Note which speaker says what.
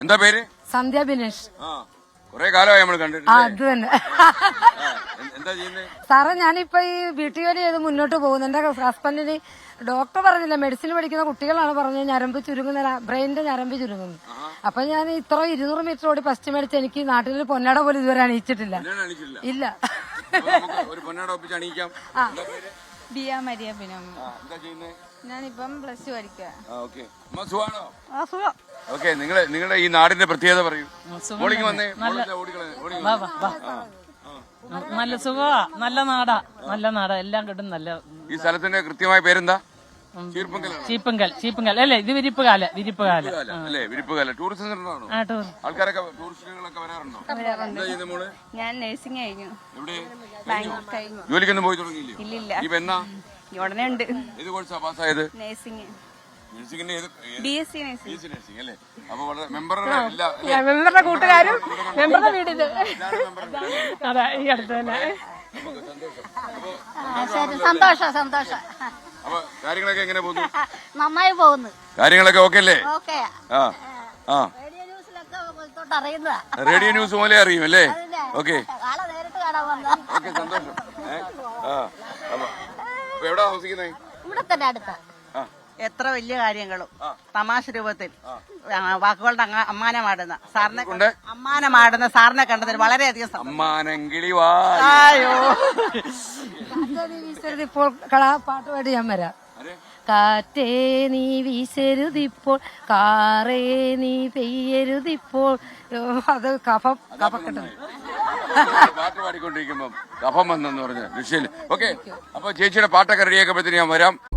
Speaker 1: എന്താ പേര്?
Speaker 2: സന്ധ്യ ബിനേഷ്.
Speaker 1: കൊറേ കാലമായി നമ്മൾ കണ്ടിട്ട്.
Speaker 2: അത് തന്നെ
Speaker 1: എന്താ ചെയ്യുന്നത്?
Speaker 2: സാറേ, ഞാനിപ്പോ ഈ വീട്ടു ജോലി ചെയ്ത് മുന്നോട്ട് പോകുന്നു. എന്റെ ഹസ്ബൻഡിന് ഡോക്ടർ പറഞ്ഞില്ല, മെഡിസിൻ പഠിക്കുന്ന കുട്ടികളാണ് പറഞ്ഞത് ഞരമ്പ് ചുരുങ്ങുന്ന, ബ്രെയിനിന്റെ ഞരമ്പ് ചുരുങ്ങുന്നു. അപ്പൊ ഞാൻ ഇത്ര 200 മീറ്റർ ഓടി ഫസ്റ്റ് മേടിച്ച് എനിക്ക് നാട്ടിൽ പൊന്നാട പോലും ഇതുവരെ അണിയിച്ചിട്ടില്ല. ഇല്ല.
Speaker 1: ഒരു പൊന്നാട ഒപ്പിച്ച് അണിയിക്കാം.
Speaker 3: ബിയ മരിയ ബിനോമി. ഞാനിപ്പം പ്ലസ് 2 പഠിക്കുക.
Speaker 1: ഓക്കെ, നിങ്ങളുടെ ഈ നാടിന്റെ പ്രത്യേകത പറയൂ. മോളിങ് വന്നേ.
Speaker 4: നല്ല സുഖമാ, നല്ല നാടാ, നല്ല നാടാ, എല്ലാം കിട്ടും. നല്ല
Speaker 1: ഈ സ്ഥലത്തിന്റെ കൃത്യമായ പേരെന്താ?
Speaker 4: ചീപ്പങ്കൽ അല്ലേ? ഇത് വിരിപ്പുകാല
Speaker 1: അല്ലേ? വിരിപ്പുകാല ടൂറിസം സെന്ററാണോ? ആൾക്കാരൊക്കെ ടൂറിസ്റ്റുകളൊക്കെ വരാറുണ്ടോ? എന്താ ചെയ്യുന്നത് മോള്?
Speaker 3: ഞാൻ നഴ്സിംഗ് കഴിഞ്ഞു.
Speaker 1: എവിടെ
Speaker 3: കഴിഞ്ഞു.
Speaker 1: ജോലിക്കൊന്നും പോയി തുടങ്ങിയില്ലേ?
Speaker 3: ഇല്ലില്ല.
Speaker 1: ഇപ്പൊ എന്നാ
Speaker 3: ഉടനെ ഉണ്ട്.
Speaker 1: ഏത് കോഴ്സാ പാസ്സായത്?
Speaker 3: നഴ്സിംഗ്.
Speaker 1: നഴ്സിംഗിന്റെ
Speaker 3: BSc നഴ്സിംഗ്
Speaker 1: അല്ലേ? അപ്പൊ വളരെ മെമ്പറുടെ
Speaker 2: മെമ്പറുടെ കൂട്ടുകാരും മെമ്പറുടെ വീടില്.
Speaker 4: അതെ, ഈ അടുത്ത് തന്നെ.
Speaker 5: സന്തോഷം.
Speaker 1: അപ്പൊ കാര്യങ്ങളൊക്കെ എങ്ങനെ പോകുന്നു?
Speaker 5: നന്നായി പോകുന്നു.
Speaker 1: കാര്യങ്ങളൊക്കെ ഓക്കെ അല്ലേ?
Speaker 5: ഓക്കെ. റേഡിയോ ന്യൂസിലൊക്കെ അറിയുന്നതാ.
Speaker 1: റേഡിയോ ന്യൂസ് പോലെ അറിയും അല്ലേ? ഓക്കെ,
Speaker 5: ആളെ നേരിട്ട് കാണാൻ വന്ന.
Speaker 1: ഓക്കെ, സന്തോഷം. അപ്പൊ എവിടാ താമസിക്കുന്നേ?
Speaker 5: ഇവിടെ തന്നെ അടുത്ത.
Speaker 6: എത്ര വലിയ കാര്യങ്ങളും തമാശ രൂപത്തിൽ വാക്കുകളുടെ അമ്മാനമാടുന്ന സാറിനെ കണ്ടതിൽ വളരെയധികം
Speaker 2: ഇപ്പോൾ പാട്ട് പാടി ഞാൻ വരാം. കാറ്റേ നീ വീശരുതിപ്പോൾ, കാറേ നീ പെയ്യരുതിപ്പോൾ. അത് കഫക്കെട്ട്
Speaker 1: പാട്ട് പാടിക്കൊണ്ടിരിക്കുമ്പോ കഫം വന്നെന്ന് പറഞ്ഞ വിഷയം. ഓക്കെ, അപ്പൊ ചേച്ചിയുടെ പാട്ടൊക്കെ റെഡിയാക്കുമ്പോഴത്തേന് ഞാൻ വരാം.